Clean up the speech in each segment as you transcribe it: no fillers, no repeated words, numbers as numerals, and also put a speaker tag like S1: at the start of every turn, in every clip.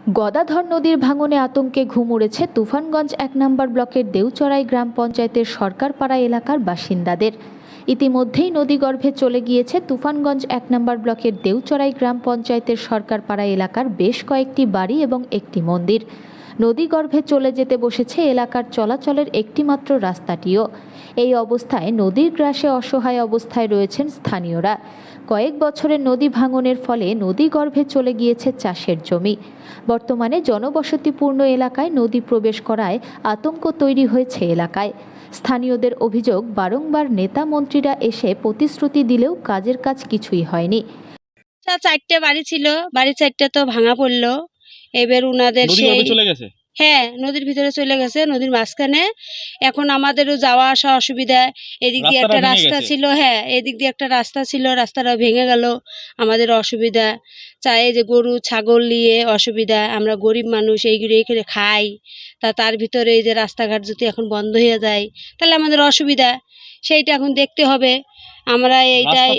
S1: গদাধর নদীর ভাঙনে আতঙ্কে ঘুম উড়েছে তুফানগঞ্জ ১ নম্বর ব্লকের দেউচড়াই গ্রাম পঞ্চায়েতের সরকারপাড়া এলাকার বাসিন্দাদের। ইতিমধ্যেই নদীগর্ভে চলে গিয়েছে তুফানগঞ্জ ১ নম্বর ব্লকের দেউচড়াই গ্রাম পঞ্চায়েতের সরকারপাড়া এলাকার বেশ কয়েকটি বাড়ি এবং একটি মন্দির। নদীগর্ভে চলে যেতে বসেছে এলাকার চলাচলের একটিমাত্র রাস্তাটিও। এই অবস্থায় নদীর গ্রাসে অসহায় অবস্থায় রয়েছেন স্থানীয়রা। কয়েক বছরের নদী ভাঙনের ফলে নদীগর্ভে চলে গিয়েছে চাষের জমি। বর্তমানে জনবসতিপূর্ণ এলাকায় নদী প্রবেশ করায় আতঙ্ক তৈরি হয়েছে এলাকায়। স্থানীয়দের অভিযোগ, বারংবার নেতা মন্ত্রীরা এসে প্রতিশ্রুতি দিলেও কাজের কাজ কিছুই হয়নি।
S2: 4টে বাড়ি ছিল, বাড়ি 4টে তো ভাঙা পড়লো। এবার উনাদের
S3: চলে গেছে।
S2: হ্যাঁ, নদীর ভিতরে চলে গেছে, নদীর মাঝখানে। এখন আমাদেরও যাওয়া আসা অসুবিধা। এদিক দিয়ে একটা রাস্তা ছিল, হ্যাঁ এদিক দিয়ে একটা রাস্তা ছিল, রাস্তাটা ভেঙে গেল, আমাদের অসুবিধা। চাই যে গরু ছাগল নিয়ে অসুবিধা, আমরা গরিব মানুষ, এইগুলো এখানে খাই। তার ভিতরে এই যে রাস্তাঘাট যদি এখন বন্ধ হয়ে যায় তাহলে আমাদের অসুবিধা, সেইটা এখন দেখতে হবে। আমরা এইটাই,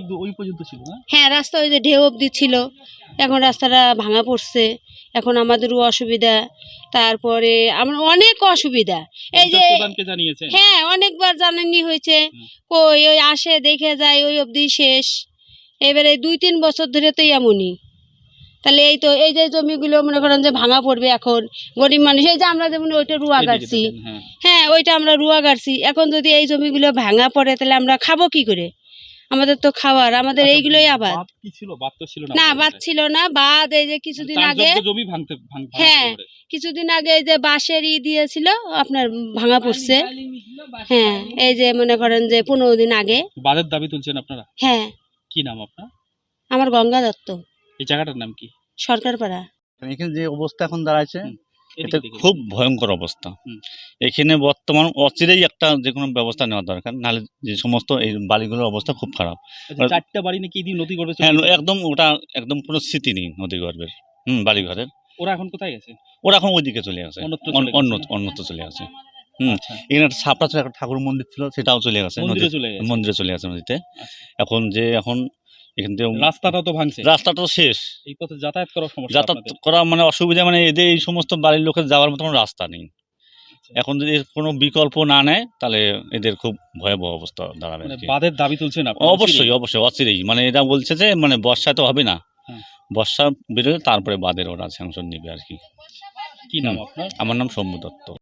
S2: হ্যাঁ রাস্তা ওই যে ঢেউ অবধি ছিল, এখন রাস্তাটা ভাঙা পড়ছে, এখন আমাদেরও অসুবিধা। তারপরে আমরা অনেক অসুবিধা, এই যে হ্যাঁ অনেকবার জানানি হয়েছে, ওই আসে দেখে যায়, ওই অবধি শেষ। এবারে 2-3 বছর ধরে তো এমনই। তাহলে এই তো এই যে জমিগুলো মনে করেন যে ভাঙা পড়বে এখন, গরিব মানুষ, এই যে আমরা যেমন ওইটা রুয়া গাড়ছি, হ্যাঁ ওইটা আমরা রুয়া গাড়ছি, এখন যদি এই জমিগুলো ভাঙা পড়ে তাহলে আমরা খাবো কি করে? আমাদের তো খাওয়ার, আমাদের এইগুলোই আবাদ। না বাদ ছিল না, বাদ এই যে কিছুদিন আগে, হ্যাঁ কিছুদিন আগে এই যে বাঁশের দিয়েছিল আপনার ভাঙা পড়ছে। হ্যাঁ এই যে মনে করেন যে 15 দিন আগে
S3: বাঁধের দাবি তুলছেন আপনারা।
S2: হ্যাঁ।
S3: কি নাম আপনার?
S2: আমার গঙ্গা দত্ত।
S3: এই জায়গাটার নাম কি?
S2: সরকারপাড়া।
S4: এখানে যে অবস্থা এখন দাঁড়াচ্ছে এটা খুব ভয়ঙ্কর অবস্থা। এখানে বর্তমান অচিরেই একটা যে কোনো ব্যবস্থা নেওয়া দরকার, নাহলে যে সমস্ত এই বাড়িগুলোর অবস্থা খুব খারাপ।
S3: 4টা বাড়ি নাকি নদী গর্ভে?
S4: হ্যাঁ একদম, ওটা একদম কোনো স্মৃতি নেই নদী গর্ভের। বাড়ি ঘরের।
S3: ওরা এখন কোথায় গেছে?
S4: ওরা এখন ওইদিকে চলে গেছে, অন্যত্র চলে গেছে। এখানে একটা ছাপড়া ছিল, একটা ঠাকুর মন্দির ছিল, সেটাও চলে গেছে, মন্দিরে চলে গেছে নদীতে। এখন এখান থেকে
S3: রাস্তাটা তো ভাঙছে,
S4: রাস্তাটা তো শেষ,
S3: এই পথে যাতায়াত করা সমস্যা,
S4: যাতায়াত করা মানে অসুবিধা, মানে এদের এই সমস্ত বাড়ির লোকের যাওয়ার মতো কোনো রাস্তা নেই। এখন যদি কোনো বিকল্প না নেয় তাহলে এদের খুব ভয়াবহ অবস্থা দাঁড়াবে।
S3: বাঁধের দাবি তুলছেন?
S4: অবশ্যই অচিরেই, মানে এটা বলছে যে মানে বর্ষা তো হবে না, বর্ষা বেরোলে তারপরে বাঁধের ওরা স্যাংশন নেবে আর কি।
S3: কি নাম আপনার?
S4: আমার নাম শম্ভু দত্ত।